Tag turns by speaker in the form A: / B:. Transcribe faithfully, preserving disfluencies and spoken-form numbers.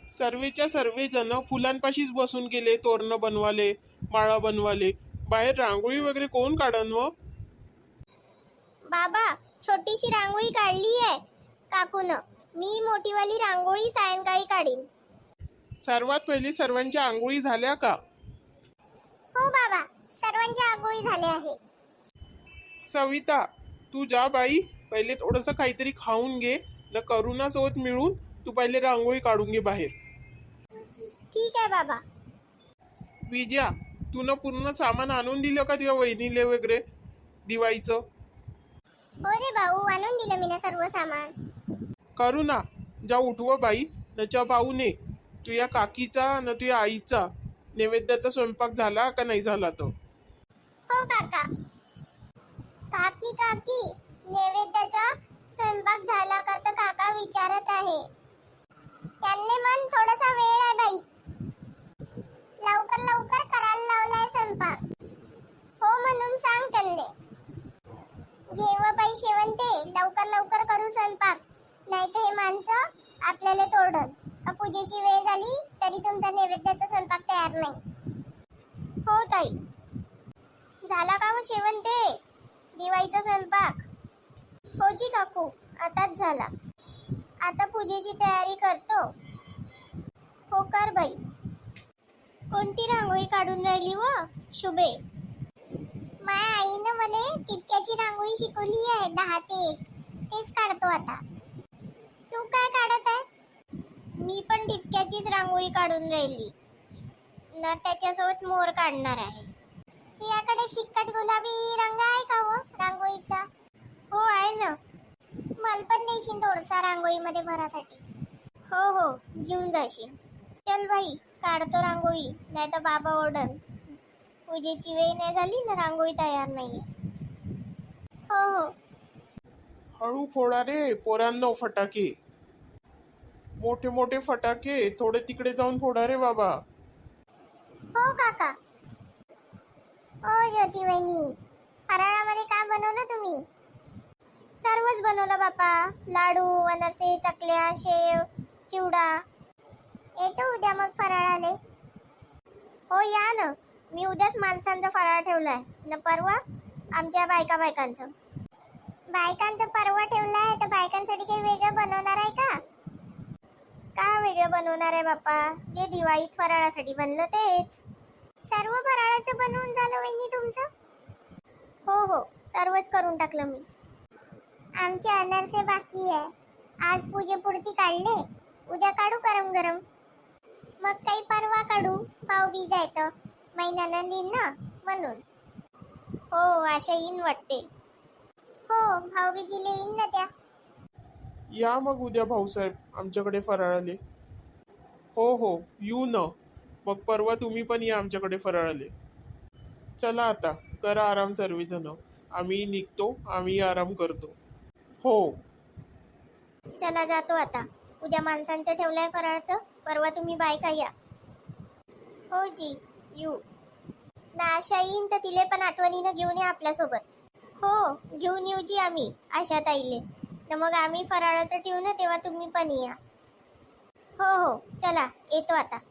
A: सर्वेच्या सर्वे जण फुलांपाशीच बसून गेले तोरणं बनवाले, माळा बनवाले. बाहेर रांगोळी वगैरे कोण काढन व?
B: बाबा, छोटीशी रांगोळी काढली आहे काकून. मी मोठीवाली रांगोळी सायंकाळी काढीन.
A: सर्वात पहिले सर्वांच्या आंघोळी झाल्या का?
B: हो बाबा, सर्वांच्या आंघोळी झाल्या आहे.
A: सविता, तू जा बाई, पहिले थोडंसं काहीतरी खाऊन घे. न करुणासोबत मिळून तू पहिले रांगोळी काढून घे बाहेर.
B: ठीक आहे बाबा.
A: विजया, तू न पूर्ण सामान आणून दिलं का तुझ्या वहिनीले वगैरे दिवाळीचं?
B: हो रे भाऊ, आणून दिलं मी ना सर्व सामान.
A: करुणा, जा उठव बाई, नच्या पाहूने तुझ्या काकीचा न तुझ्या आईचा नैवेद्याचा स्वयंपाक झाला का नाही झाला तो?
B: हो काका. काकी काकी, नैवेद्याचा स्वयंपाक झाला का? तर काका विचारत आहे. त्यांनी मन थोडासा वेळ आहे बाई, लवकर लवकर करायला लावलाय स्वयंपाक. हो म्हणून सांग त्यांनी. जेव्हा बाई शेवंते, लवकर लवकर करू स्वयंपाक, नाही तर हे माणसं आपल्याला चोरडन का पूजेची वेळ झाली तरी तुमचा नैवेद्याचा स्वयंपाक तयार नाही. हो ताई. झाला का हो शेवंते दिवाळीचा स्वयंपाक? हो जी काकू, आताच झाला. आता पूजेची तयारी करतो. हो कर बाई. कोणती रांगोळी काढून राहिली व शुभे? माझ्या आईनं मला टिपक्याची रांगोळी शिकवली आहे, दहा ते एक. तेच काढतो आता. तू काय काढत आहे? मी पण टिपक्याचीच रांगोळी काढून राहिली ना, त्याच्यासोबत मोर काढणार आहे. तुझ्याकडे फिक्कट गुलाबी रंग आहे का हो रांगोळीचा? हो आहे ना. मला पण देशील थोडसा रांगोळीमध्ये भरासाठी? हो हो, घेऊन जाशील. चल बाई, काढतो रांगोळी, नाही तर बाबा ओरडन. पूजेची वेळ नाही झाली ना, रांगोळी तयार नाहीये. हो हो.
A: हळू फोडा रे पोरांनो फटाके, मोठे मोठे फटाके थोडे तिकडे जाऊन फोडा रे बाबा.
B: हो काका. ओ ज्योती वहिनी, फराळामध्ये काय बनवलं तुम्ही? सर्वच बनवलं बापा. लाडू, अनारसे, चकल्या, शेव, चिवडा. येतो उद्या मग फराळाले. हो या ना. मी उद्याच माणसांचा फराळ ठेवलाय न, परवा आमच्या बायका बायकांचं. बायकांचं परवा ठेवलाय तर बायकांसाठी काही वेगळं बनवणार आहे का? का वेगळं बनवणार आहे बापा? जे दिवाळीत फराळासाठी बनलं तेच. सर्व फराळाचं बनवून झालं वहिनी तुमचं? हो हो, सर्वच करून टाकलं मी. आमचे अनारसे बाकी आहे. आज पूजेपुरती काढले, उद्या काढू गरम गरम. मग काही परवा काढू, भाऊबीज आहे तर महिन्यानं येईन ना म्हणून. हो, आशा येईन वाटते. हो, भाऊबीजीला येईन ना त्या.
A: या मग उद्या भाऊसाहेब आमच्याकडे फराळाले. हो हो, येऊ न. मग परवा तुम्ही पण या आमच्याकडे फराळाले. चला आता करा आराम सर्वजण, आम्ही निघतो, आम्ही आराम करतो. हो
B: चला जातो आता. उद्या माणसांचं ठेवलंय फराळाचं, परवा तुम्ही बायका या. हो जी, यू ना. आशा येईन तर तिले पण आठवणीनं घेऊन या आपल्यासोबत. हो, घेऊन येऊ जी आम्ही आशा ताईले. तर मग आम्ही फराळाचं ठेवू ना, तेव्हा तुम्ही पण या. हो हो, चला येतो आता.